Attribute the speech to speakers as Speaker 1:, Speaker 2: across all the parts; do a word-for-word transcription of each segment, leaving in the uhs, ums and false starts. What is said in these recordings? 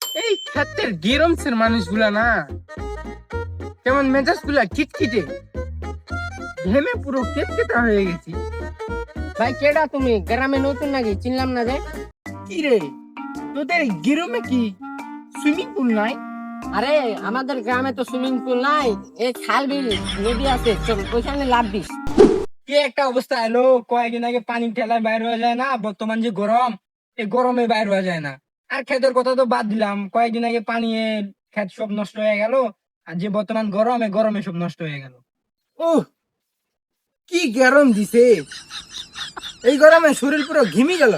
Speaker 1: এই ক্ষেতের গেরমসের মানুষগুলা না কেমন মেজাজ গুলা খিটখিটে, ঘেমে পুরো কেটকেটা হয়ে গেছি।
Speaker 2: ভাই কেডা তুমি? গ্রামে নতুন নাকি? চিনলাম না যে।
Speaker 1: কি রে, তোদের গেরমে কি সুইমিং পুল নাই?
Speaker 2: আরে আমাদের গ্রামে তো সুইমিং পুল নাই, এই খাল বিল নদী আছে, চল ওইখানে লাভ দিস।
Speaker 1: কি একটা অবস্থা এলো, কয়েকদিন আগে পানি ঠেলায় বাইর হয়ে যায় না, বর্তমান যে গরম, এই গরমে বাইর হয়ে যায় না। আর ক্ষেতের কথা তো বাদ দিলাম, কয়েকদিন আগে পানি ক্ষেত সব নষ্ট হয়ে গেল। আর যে বর্তমান গরমে গরমে সব নষ্ট হয়ে গেল। ওহ, কি গরম দিছে! এই গরমে শরীর পুরো ঘিমি গেল।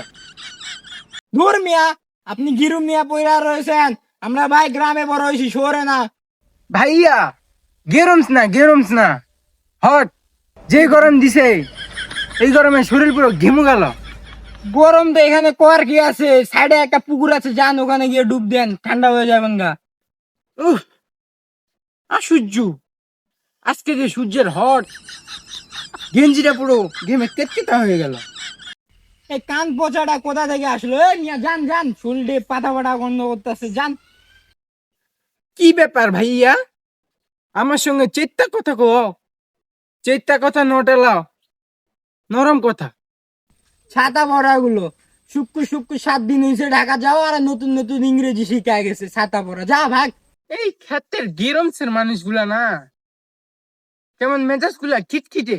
Speaker 1: ধুর মিয়া, আপনি গিরুম মিয়া পয়রা রয়েছেন, আমরা ভাই গ্রামে বড় হয়েছি, শহরে না। ভাইয়া গেরমস না গেরমস না হট, যে গরম দিছে এই গরমে শরীর পুরো ঘেমু গেল। গরম তো এখানে কর কি আছে, সাইডে একটা পুকুর আছে, যান ওখানে গিয়ে ডুব দেন, ঠান্ডা হয়ে যাবেন গা। উহ, আর সূর্য আজকে যে সূর্যের হট, গেঞ্জিটা পুরো ঘেমে কেটকেটা হয়ে গেল। এই কান পচাটা কোথা থেকে আসলো? এ মিয়া যান যান, শুলটে পাতা পাতা গন্ধ করতেছে, যান। কি ব্যাপার ভাইয়া, আমার সঙ্গে চেত্তা কথা কো, চেত্তা কথা নোটেলাও, নরম কথা। ছাতা পড়া গুলো শুক্কু শুক্কু সাত দিন হয়েছে ঢাকা যাও, আর নতুন নতুন ইংরেজি শিখা গেছে, ছাতা পড়া যা ভাগ। এই ক্ষেতের গেরমসের মানুষগুলা না কেমন মেজাজ গুলা খিটখিটে,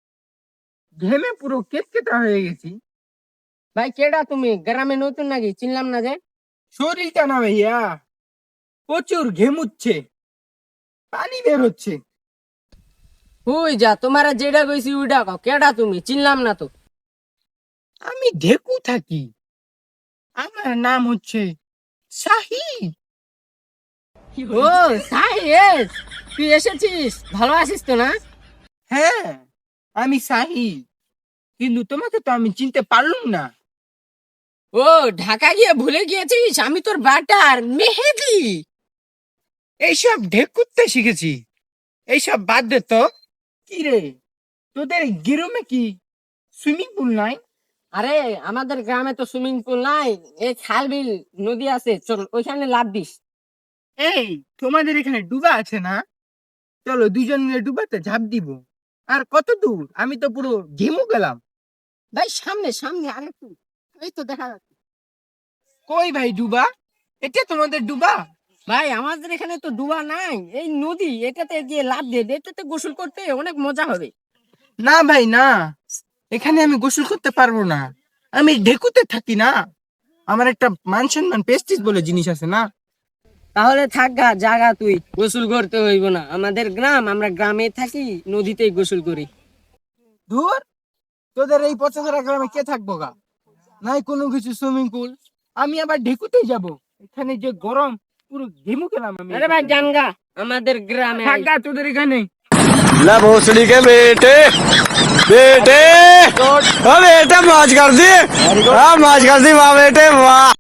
Speaker 1: ঘেমে পুরো কেটকেটা হয়ে গেছি।
Speaker 2: ভাই কেডা তুমি? গ্রামে নতুন নাকি? চিনলাম না যে।
Speaker 1: শরীরটা না ভাইয়া প্রচুর ঘেমুচ্ছে, পানি বের হচ্ছে।
Speaker 2: হুই যা, তোমারা যেটা কইছি ওইটা কও। কেডা তুমি? চিনলাম না তো।
Speaker 1: আমি ঢেকু থাকি, আমার নাম হচ্ছে শাহিদ।
Speaker 2: ও সাইয়েস, তুই এসেছিস? ভালো আছিস তো না?
Speaker 1: হ্যাঁ আমি শাহিদ, কিন্তু তোমাকে তো আমি চিনতে পারলাম না।
Speaker 2: ও ঢাকা গিয়ে ভুলে গিয়েছিস, আমি তোর বাটার মেহেদি।
Speaker 1: এইসব ঢেকুতে শিখেছি, এইসব বাদ দে তো। কি রে, তোদের গেরমে কি সুইমিং পুল নাই?
Speaker 2: আরে আমাদের গ্রামে তো সুইমিং পুল নাই, এই খাল বিল নদী আছে, চল ওইখানে লাভ দিস।
Speaker 1: এই তোমাদের এখানে ডুবা আছে না? চলো দুজন মিলে ডুবাতে ঝাঁপ দিব। আর কত দূর, আমি তো পুরো ঘেমু গেলাম।
Speaker 2: ভাই সামনে সামনে আরেকটু, এই তো দেখা যাচ্ছে।
Speaker 1: কই ভাই ডুবা? এটা তোমাদের ডুবা?
Speaker 2: ভাই আমাদের এখানে তো ডুবা নাই, এই নদী, এটাতে গিয়ে লাভ দিয়ে দে, এটাতে গোসল করতে অনেক মজা হবে।
Speaker 1: না ভাই না, এখানে আমি গোসল করতে পারবো না, আমি ঢেকুতে থাকি না। আমার একটা মান সম্মান পেস্টিস বলে জিনিস আছে না।
Speaker 2: তাহলে থাক গা, জাগা, তুই গোসল করতে হইব না, আমাদের গ্রাম, আমরা গ্রামে থাকি, নদীতেই গোসল করি।
Speaker 1: ধুর, তোদের এই পচাশরা গ্রামে কে থাকবো গা, নাই কোনো কিছু সুইমিং পুল, আমি আবার ঢেকুতেই যাব। এখানে যে গরম, পুরো ঘেমু গেলাম আমি।
Speaker 2: আরে ভাই জানগা, আমাদের গ্রামে
Speaker 1: থাক গা তোদের এখানে।
Speaker 3: ला भोसड़ी के बेटे बेटे ओ बेटा मौज कर दी हाँ मौज कर दी वाह बेटे वाह।